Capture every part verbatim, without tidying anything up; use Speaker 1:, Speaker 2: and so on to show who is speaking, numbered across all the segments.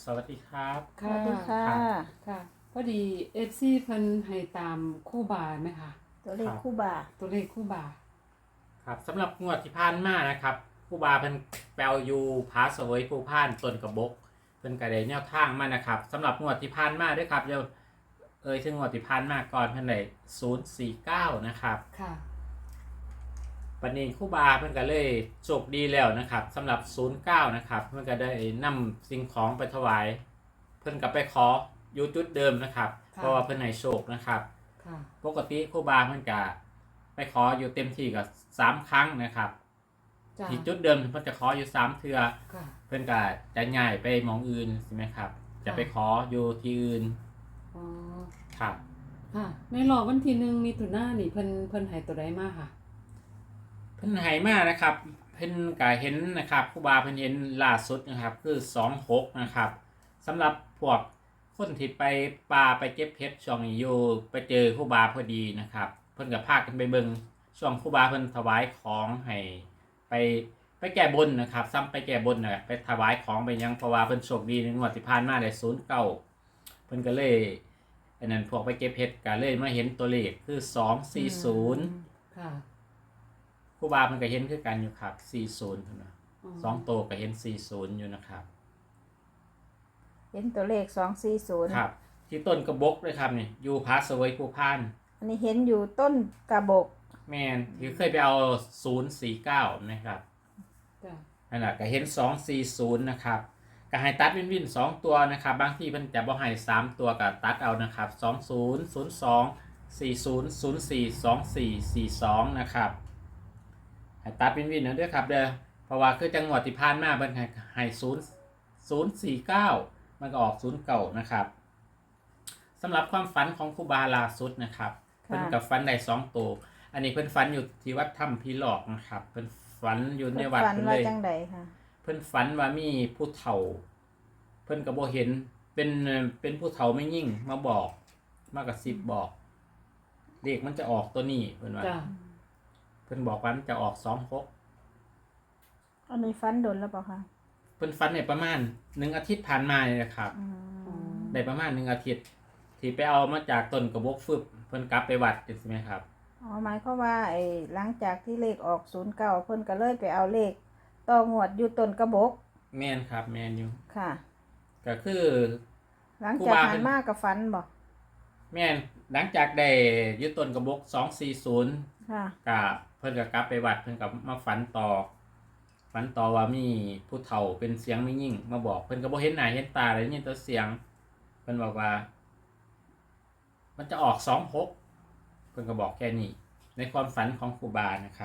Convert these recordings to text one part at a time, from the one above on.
Speaker 1: สวัสดีครับ
Speaker 2: สวัสดีค่ะ
Speaker 3: ค่ะพอดีเอฟซีเพิ่นให้ตามคู่บาไหมคะ
Speaker 2: ตัวเลขคู่บา
Speaker 3: ตัวเลขคู่บา
Speaker 1: ครับสำหรับงวดที่ผ่านมานะครับผู้บาเพิ่นแปลอยู่ผาเสวยผู้พ่านต้นกระบกเพิ่นก็ได้แนวทางมานะครับสำหรับงวดที่ผ่านมาด้วยครับเดี๋ยวเอ่ยถึงงวดที่ผ่านมาก่อนเพิ่นได้ศูนย์สี่เก้านะครับ
Speaker 3: ค่ะ
Speaker 1: ปันนี้ครู่บาเพิ่นก็เลยโชคดีแล้วนะครับสำหรับศูนย์เก้านะครับเพิ่นก็ได้นำสิ่งของไปถวายเพิ่นก็ไปขออยู่จุดเดิมนะครับ
Speaker 3: ค่ะ
Speaker 1: เพราะว่าเพิ่นให้โชคนะครับ
Speaker 3: ค่ะ
Speaker 1: ปกติครู่บาเพิ่นก็ไปขออยู่เต็มที่ก็สามครั้งนะครับ
Speaker 3: จ้า
Speaker 1: ที่จุดเดิมเพิ่นจะขออยู่สามเทื่อ
Speaker 3: ค่ะ
Speaker 1: เพิ่นก็จะย้ายไปหมองอื่นใช่ไหมครับ จะไปขออยู่ที่อื่น
Speaker 3: อ๋อ
Speaker 1: ครับ
Speaker 3: ค่ะ ในรอบวันที่หนึ่งมีตุนายนนี่เพิ่นเพิ่นให้ตัวใดมาค่ะ
Speaker 1: เพิ่นให้มานะครับเพิ่นก็เห็นนะครับครูบาเพิ่นเห็นล่าสุดนะครับคือสองหกนะครับสำหรับพวกคนที่ไปป่าไปเก็บเพชรช่วงนี้อยู่ไปเจอครูบาพอดีนะครับเพิ่นก็พากันไปเบิ่งช่วงครูบาเพิ่นถวายของให้ไปไปแก้บนนะครับซ้ำไปแก้บนน่ะไปถวายของไปยังเพราะว่าเพิ่นโชคดีในงวดที่ผ่านมาได้ศูนย์เก้าเพิ่นก็เลยอันนั้นพวกไปเก็บเพชรก็เลยมาเห็นตัวเลขคือสองสี่ศูนย์
Speaker 3: ค่ะ
Speaker 1: ครูบาเพิ่นก็เห็นคือกันอยู่ครับสี่สิบเพิ่นว่าสองโตวก็เห็นสี่สิบอยู่นะครับ
Speaker 2: เห็นตัวเลขสองสี่ศูนย์
Speaker 1: ครับ ที่ต้นกระบกเลยครับนี่อยู่ผาเสวยภูพาน
Speaker 2: อันนี้เห็นอยู่ต้นกระบก
Speaker 1: แม่นที่เคยไปเอาศูนย์สี่เก้านะครับ
Speaker 3: จ้า
Speaker 1: นั่นแหละก็เห็นสองสี่ศูนย์นะครับก็ให้ตัดวินวินสองตัวนะครับบางที่เพิ่นจะบ่ให้สามตัวก็ตัดเอานะครับสองศูนย์ศูนย์สองสี่ศูนย์ศูนย์สี่สองสี่สี่สองนะครับให้ตัดวินวินนะด้วยครับเด้อเพราะว่าคือจังหวัดที่ผ่านมาเพิ่นให้ให้ศูนย์ศูนย์สี่เก้ามันก็ออกศูนย์เก้านะครับสำหรับความฝันของครูบาล่าสุดนะครับเพิ่นกับฝันได้สองตัวอันนี้เพิ่นฝันอยู่ที่วัดถ้ำพีหลอกนะครับเพิ่นฝันอยู่ในวัด
Speaker 2: ฝัน
Speaker 1: เพิ่น
Speaker 2: ว่า
Speaker 1: เลย
Speaker 2: จังใดค่ะ
Speaker 1: เพิ่นฝันว่ามีผู้เฒ่า เพิ่นก็บ่เห็นเป็นเป็นผู้เฒ่าไม่ยิ่งมาบอกมากระซิบบอกเลขมันจะออกตัวนี้เพิ่นว่า
Speaker 3: จ้า
Speaker 1: เพิ่นบอกว่ามันจะออกสองหก
Speaker 2: อันนี้ฝันโดนแล้วเปล่าคะ
Speaker 1: เพิ่นฝันในประมาณหนึ่งอาทิตย์ผ่านมาเนี่ยนะครับ
Speaker 2: อืม
Speaker 1: ได้ประมาณหนึ่งอาทิตย์ที่ไปเอามาจากต้นกระบอกฟึบเพิ่นกลับไปวัดใช่ไหมครับ
Speaker 2: อ๋อหมายความว่าไอ้หลังจากที่เลขออกศูนย์เก้าเพิ่นก็เลยไปเอาเลขต่องวดอยู่ต้นกระบก
Speaker 1: แม่นครับแม่นอยู่
Speaker 2: ค่ะ
Speaker 1: ก็คือ
Speaker 2: หลังจาก
Speaker 1: ครูบา
Speaker 2: หั
Speaker 1: เป็น น
Speaker 2: มากับฝันบ่
Speaker 1: แม่นหลังจากได้ยึดต้นกระบอกสองสี่ศูนย์
Speaker 2: ค่ะ
Speaker 1: ก็เพิ่นก็กลับไปวัดเพิ่นก็มาฝันต่อฝันต่อว่ามีผู้เฒ่าเป็นเสียงไม่ยิ่งมาบอกเพิ่นก็บ่เห็นหน้าเห็นตาเลยนี่ตัวเสียงเพิ่นบอกว่า มันจะออกสองหกเพิ่นก็บอกแค่นี้ในความฝันของครูบานะครับ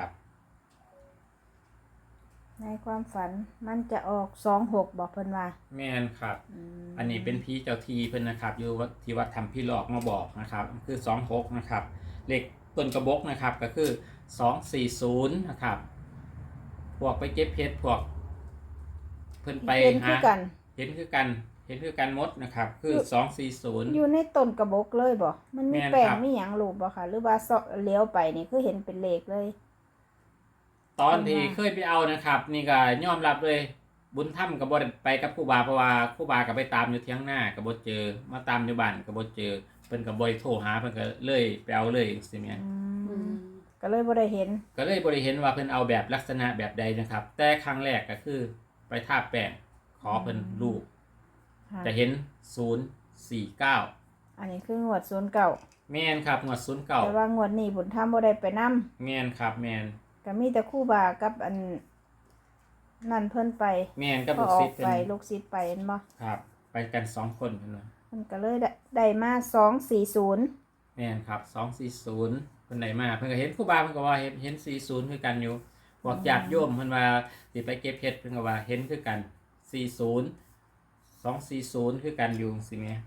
Speaker 2: ในความฝันมันจะออกสองหกบอกเพิ่นว่า
Speaker 1: แม่นครับ
Speaker 2: อืม
Speaker 1: อันนี้เป็นผีเจ้าทีเพิ่นนะครับ อยู่วัดที่วัดทำพี่หลอกมาบอกนะครับ คือสองหกนะครับเลขต้นกระบอกนะครับ ก็คือสองสี่ศูนย์นะครับ พวกไปเก็บเพชรพวก เพิ่นไป
Speaker 2: เห็นคื
Speaker 1: หา
Speaker 2: อกัน
Speaker 1: เห็นคือกัน เห็นคือกันหมดนะครับ คือสองสี่ศูนย์
Speaker 2: อยู่ในต้นกระบกเลยบ่มันมี
Speaker 1: แม่น
Speaker 2: แปลง
Speaker 1: ครับ
Speaker 2: มีหยังรูปบ่ค่ะ หรือว่าเสาะเลี้ยวไปนี่คือเห็นเป็นเลขเลย
Speaker 1: ตอนที่
Speaker 2: อืม
Speaker 1: เคยไปเอานะครับ นี่ก็ยอมรับเลย บุญถ้ำกับบได้ไปกับครูบาเพราะว่าครูบากับไปตามอยู่เที่ยงหน้ากับบเจอ มาตามอยู่บ้านกับบเจอเพิ่นกับบโทรหาเพิ่นก็เลยไปเอาเลยสิแม่น
Speaker 2: อื
Speaker 3: อื
Speaker 2: ม
Speaker 3: ม
Speaker 2: ก็เลยบ่ได้เห็น
Speaker 1: ก็เลยบริเห็นว่าเพิ่นเอาแบบลักษณะแบบใดนะครับ แต่ครั้งแรกก็คือไปทาบแป้งขอเพิ่นรูป
Speaker 2: ค่ะ
Speaker 1: จะเห็นศูนย์สี่เก้า
Speaker 2: อันนี้คืองวดศูนย์เก้า
Speaker 1: แม่นครับงวดศูนย์เก้า
Speaker 2: แต่ว่างวดนี้บุญธรรมบ่ได้ไปนำ
Speaker 1: แม่นครับแม่น
Speaker 2: ก็มีแต่ครู่บากับอันนั่นเพิ่นไป
Speaker 1: แม่นกับ
Speaker 2: ก็
Speaker 1: ลูก
Speaker 2: ออ
Speaker 1: ศิ
Speaker 2: ก
Speaker 1: ษย์เพิ่
Speaker 2: ไป
Speaker 1: น
Speaker 2: ลูกศิษย์ไปเห็นบ่
Speaker 1: ครับ ไปกันสองคนเพิ่นว่า
Speaker 2: มันก็เลยได้ได้มาสองสี่ศูนย์
Speaker 1: แม่นครับสองสี่ศูนย์เพิ่นได้มาเพิ่นก็เห็นครูบาเพิ่นก็ว่าเห็นเห็นสี่ศูนย์คือกันอยู่พวกญาติโยมเพิ่นว่าสิไปเก็บเห็ดเพิ่นก็ว่าเห็นคือกันสี่ศูนย์ สองสี่ศูนย์คือกันอยู่สิแม่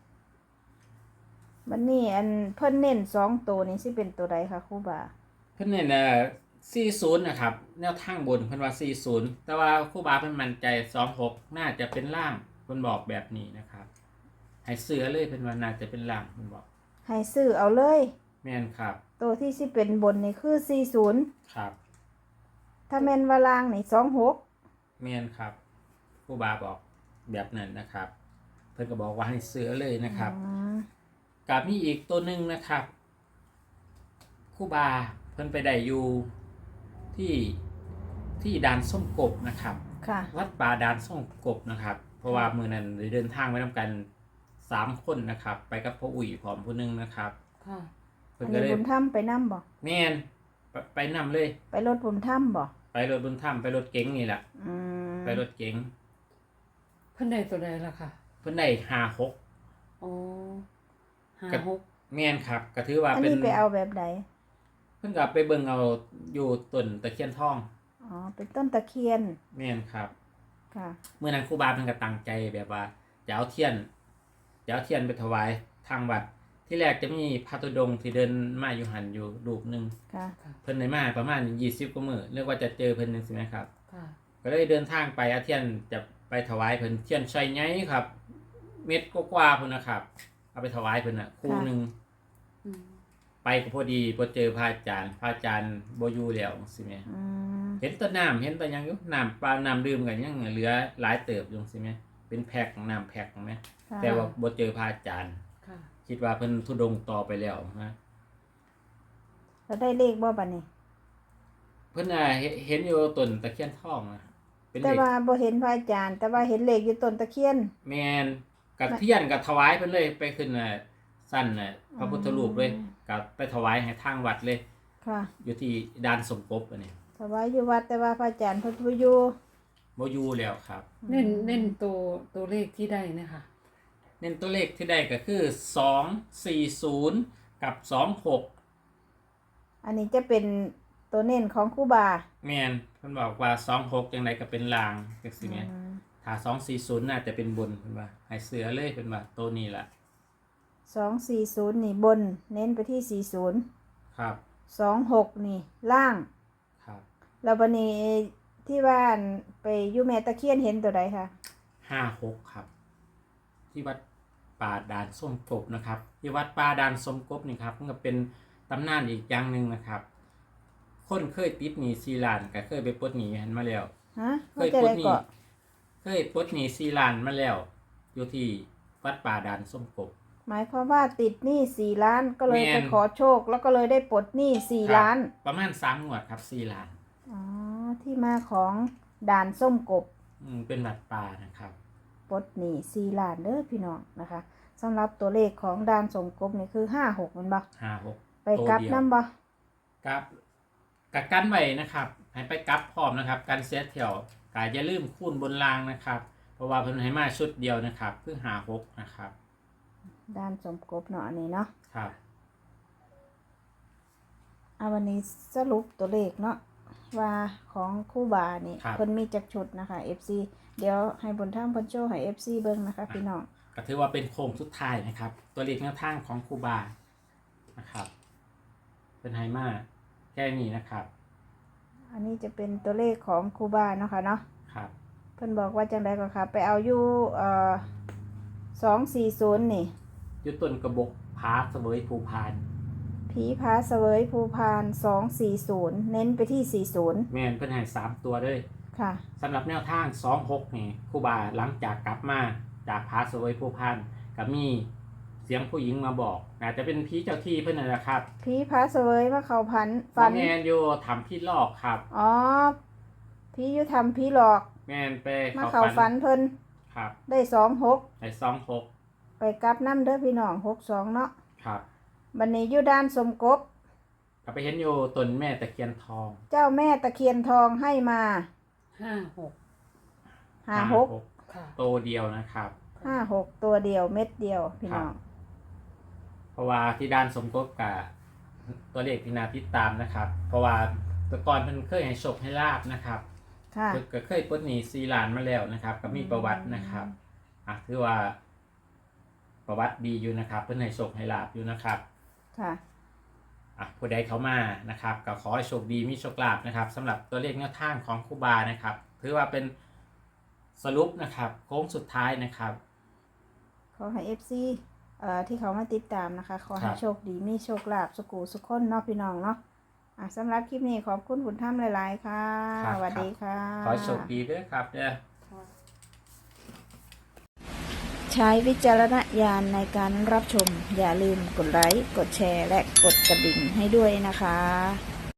Speaker 2: บัดนี้อันเพิ่นเน้นสองตัวนี้สิเป็นตัวใดคะครู่บา
Speaker 1: เพิ่นเนี่ยนะสี่สิบนะครับแนวทางบนเพิ่นว่าสี่สิบแต่ว่าครูบาเพิ่นมั่นใจสองหกน่าจะเป็นล่างเพิ่นบอกแบบนี้นะครับให้เสือเลยเพิ่นว่าน่าจะเป็นล่างเพิ่นบอก
Speaker 2: ให้ซื้อเอาเลย
Speaker 1: แม่นครับ
Speaker 2: ตัวที่สิเป็นบนนี่คือสี่สิบ
Speaker 1: ครับ
Speaker 2: ถ้าแม่นว่าล่างนี่สองหก
Speaker 1: แม่นครับครูบาบอกแบบนั้นนะครับเพิ่นก็บอกว่าให้ซื้อเลยนะครับ
Speaker 2: อืม
Speaker 1: กับมีอีกตัวหนึ่งนะครับครู่บาเพิ่นไปได้อยู่ที่ที่ด่านส้มกบนะครับ
Speaker 2: ค่ะ
Speaker 1: วัดป่าด่านส้มกบนะครับ เพราะว่ามือนั้นได้เดินทางไปทำกันสามคนนะครับ ไปกับพ่ออุ่ยพร้อมผู้หนึงนะครับ
Speaker 3: ค่ะ
Speaker 1: เพิ่
Speaker 2: อั
Speaker 1: น
Speaker 2: น
Speaker 1: ก็
Speaker 2: นี้
Speaker 1: เลย
Speaker 2: บุญถ้ำไปนั่บ่
Speaker 1: แม่นไปไปนำเลย
Speaker 2: ไปรถบุญถ้ำบ่
Speaker 1: ไปรถบนถ้ำไปรถเก๋งนี่แหละ
Speaker 2: อืม
Speaker 1: ไปรถเก๋ง
Speaker 3: เพิ่นได้ตัวใดล่ะค่ะ
Speaker 1: เพิ่นได้ห้าหก
Speaker 3: อ๋อห้า
Speaker 1: กับ
Speaker 3: หก
Speaker 1: แม่นครับก็ถือว่า
Speaker 2: อัน
Speaker 1: เป็น
Speaker 2: นี้ไปเอาแบบใด
Speaker 1: เพิ่นก็ไปเบิ่งเอาอยู่ต้นตะเคียนทอง
Speaker 2: อ๋อ เป็นต้นตะเคียน
Speaker 1: แม่นครับ
Speaker 2: ค่ะ
Speaker 1: เมื่อนั้นครูบาเพิ่นก็ตั้งใจแบบว่าจะเอาเทียนจะเอาเทียนไปถวายทางวัด ที่แรกจะมีพระธุดงค์ที่เดินมาอยู่หันอยู่รูปหนึง
Speaker 2: ค่ะ
Speaker 3: ค่ะ
Speaker 1: เพิ่นได้มาประมาณยี่สิบกว่ามื้อเรียกว่าจะเจอเพิ่นจังซี่นะครับ
Speaker 3: ค่ะ
Speaker 1: ก็เลยเดินทางไปเอาเทียนจะไปถวายเพิ่นเทียนชัยใหญ่ครับ เม็ดกว่าๆพุ่นนะครับ เอาไปถวายเพิ่นน่ะคู่หนึง
Speaker 3: อืม
Speaker 1: ไปก็พอดีบ่เจอพระอาจารย์พระอาจารย์บ่อยู่แล้วจังซี่แหม
Speaker 2: อืม
Speaker 1: เห็นแต้นน้ำเห็นแต่ยังอยู่น้ำเปล่าน้ำดื่มกันยังเหลือหลายเติบอยู่จังซี่แหมเป็นแพ็คน้ำแพ็คแหม
Speaker 2: ค่ะ
Speaker 1: แต่ว่าบ่เจอพระอาจารย์
Speaker 3: ค่ะ
Speaker 1: คิดว่าเพิ่นทุดงค์ต่อไปแล้วนะ
Speaker 2: แล้วได้เลขบ่บัดนี้
Speaker 1: เพิ่นน่ะเห็นเห็นอยู่ต้นตะเคียนทองนะเป็น
Speaker 2: แต่
Speaker 1: เลข
Speaker 2: ว่าบ่เห็นพระอาจารย์ แต่ว่าเห็นเลขอยู่ต้นตะเคียน
Speaker 1: แม่นกับเทียนกับถวายเพิ่นเลยไปขึ้นน่ะสั้นน่ะพระพุทธรูปเลยกับไปถวายให้ทางวัดเลย
Speaker 2: ค่ะ
Speaker 1: อยู่ที่ด่านสมภพอันนี้
Speaker 2: ถวายอยู่วัดแต่ว่าพระอาจารย์เพิ่นบ่อยู่
Speaker 1: บ่อยู่แล้วครับ
Speaker 3: เน้นเน้นตัวตัวเลขที่ได้นะคะ
Speaker 1: เน้นตัวเลขที่ได้ก็คือสองสี่ศูนย์กับสองหก
Speaker 2: อันนี้จะเป็นตัวเน้นของครูบา
Speaker 1: แม่นเพิ่นบอกว่าสองหกจังไดก็เป็นลางจังซี่แหม
Speaker 2: อืม
Speaker 1: ถ้าสองสี่ศูนย์น่าจะเป็นบนเพิ่นว่าให้เสือเลยเพิ่นว่าตัวนี้ล่ะ
Speaker 2: สองสี่ศูนย์นี่บน เน้นไปที่สี่ศูนย์
Speaker 1: ครับ
Speaker 2: สองหกนี่ล่าง
Speaker 1: ครับ
Speaker 2: แล้วบันนี้ที่บ้านไปอยู่แม่ตะเคียนเห็นตัวใดคะ
Speaker 1: ห้าหกครับ ที่วัดป่าด่านส้มกบนะครับ ที่วัดป่าด่านส้มกบนี่ครับมันก็เป็นตำนานอีกอย่างหนึ่งนะครับ คนเคยติดหนี้ซีลานก็เคยไปปลดหนี้หันมาแล้ว
Speaker 2: ฮะ
Speaker 1: เค
Speaker 2: ว่าย จะ
Speaker 1: ปล
Speaker 2: ได้
Speaker 1: ดหนี้
Speaker 2: เกาะ
Speaker 1: เคยปลดหนี้ซีลานมาแล้ว อยู่ที่วัดป่าด่านส้มกบ
Speaker 2: หมายความว่าติดหนี้สี่ล้านก็เลย
Speaker 1: แม่
Speaker 2: ไป
Speaker 1: น
Speaker 2: ขอโชค แล้วก็เลยได้ปลดหนี้สี่
Speaker 1: ครับ
Speaker 2: ล้าน
Speaker 1: ประมาณสามงวดครับซีลาน
Speaker 2: อ๋อที่มาของด่านส้มกบ
Speaker 1: อืมเป็นวัดป่านะครับ
Speaker 2: ปลดหนี้สี่ล้านเด้อพี่น้องนะคะสำหรับตัวเลขของด่านส้มกบนี่คือห้าหกมันบ่
Speaker 1: ห้าหก
Speaker 2: ไปกลับ
Speaker 1: ตัวเดียว
Speaker 2: น้ำบ่
Speaker 1: กับกับกันไว้นะครับให้ไปกลับพร้อมนะครับกันเสียเที่ยวกายอย่าลืมคูณบนรางนะครับ เพราะว่าเพิ่นให้มาชุดเดียวนะครับเพื่อหาหกนะครับ
Speaker 2: ด่านส้มกบเนาะอันนี้เนาะ
Speaker 1: ครับ
Speaker 2: เอาวันนี้สรุปตัวเลขเนาะว่าของคู่บานี่
Speaker 1: ครับ
Speaker 2: เพิ่นมีจักชุดนะคะ เอฟ ซี เดี๋ยวให้บนทางเพิ่นโชว์ให้ เอฟ ซี เบิ่งนะคะพี่น้อง
Speaker 1: ก็ถือว่าเป็นโค้งสุดท้ายนะครับ ตัวเลขแนวทางของครูบานะครับเป็นไฮมาแค่นี้นะครับ
Speaker 2: อันนี้จะเป็นตัวเลขของคู่บาเนาะค่ะเนาะ
Speaker 1: ครับ
Speaker 2: เพิ่นบอกว่าจังไดก็ค่ะไปเอาอยู่เอ่อสองสี่ศูนย์นี่
Speaker 1: ยุต้นกระบอกพาเสวยภูพาน
Speaker 2: ผีพาเสวยภูพานสองสี่ศูนย์เน้นไปที่สี่ศูนย์
Speaker 1: แม่นเพิ่นให้สามตัวเลย
Speaker 2: ค่ะ
Speaker 1: สำหรับแนวทางสองหกนี่ครูบาหลังจากกลับมาจากพาเสวยภูพานก็มีเสียงผู้หญิงมาบอกอาจจะเป็นผีเจ้าที่เพิ่นนั่นแหละครับ
Speaker 2: ผีพาเสวยว่าเขาพัน
Speaker 1: ฝั
Speaker 2: ฝั
Speaker 1: น
Speaker 2: น
Speaker 1: แมนอยู่ทำพี่ลอกครับ
Speaker 2: อ๋อผีอยู่ทำผีหลอก
Speaker 1: แมนไป
Speaker 2: มาเขาฝันเพิ่น
Speaker 1: ครับ
Speaker 2: ได้สองหก
Speaker 1: ไอ้สองหก
Speaker 2: ไปกลับน้ำเด้อพี่น้องหกสองเนาะ
Speaker 1: ครับ
Speaker 2: บันนี้อยู่ด้านสมกบ
Speaker 1: ก็ไปเห็นอยู่ต้นแม่ตะเคียนทอง
Speaker 2: เจ้าแม่ตะเคียนทองให้มา
Speaker 3: ห้าหก
Speaker 2: ห้าหก
Speaker 3: ค่ะ
Speaker 1: โตเดียวนะครับ
Speaker 2: ห้าหกตัวเดียวเม็ดเดียวพี่น้อง
Speaker 1: เพราะว่าที่ด้านสมกบกับตัวเลขที่นาติดตามนะครับ เพราะว่าแตะกอนเพิ่นเคยให้โชคให้ลาบนะครับ
Speaker 2: ค่ะ
Speaker 1: เพิ่นก็เคยปลดหนี้ซีล้านมาแล้วนะครับ ก็มีประวัตินะครับอ่ะถือว่าประวัติดีอยู่นะครับ เพิ่นให้โชคให้ลาบอยู่นะครับ
Speaker 2: ค่ะ
Speaker 1: อ่ะผู้ใดเขามานะครับก็ขอให้โชคดีมีโชคลาภนะครับสำหรับตัวเลขแนวทางของครูบานะครับถือว่าเป็นสรุปนะครับโค้งสุดท้ายนะครับ
Speaker 2: ขอให้เอฟซีเอ่อที่เขามาติดตามนะคะ ขอให้
Speaker 1: ครับ
Speaker 2: โชคดีมีโชคลาภสุขูสุขคนเนาะพี่น้องเนาะอ่ะสำหรับคลิปนี้ขอบคุณคุณท่ามหลาย ๆ ค่ะ
Speaker 1: ครับ
Speaker 2: สวัสดีค่ะ
Speaker 1: ขอให้โชคดีด้วยครับเด้อ
Speaker 3: ค่ะ
Speaker 4: ช
Speaker 2: ใช้วิจารณญาณในการรับชม อย่าลืมกดไลค์ กดแชร์ และกดกระดิ่งให้ด้วยนะคะ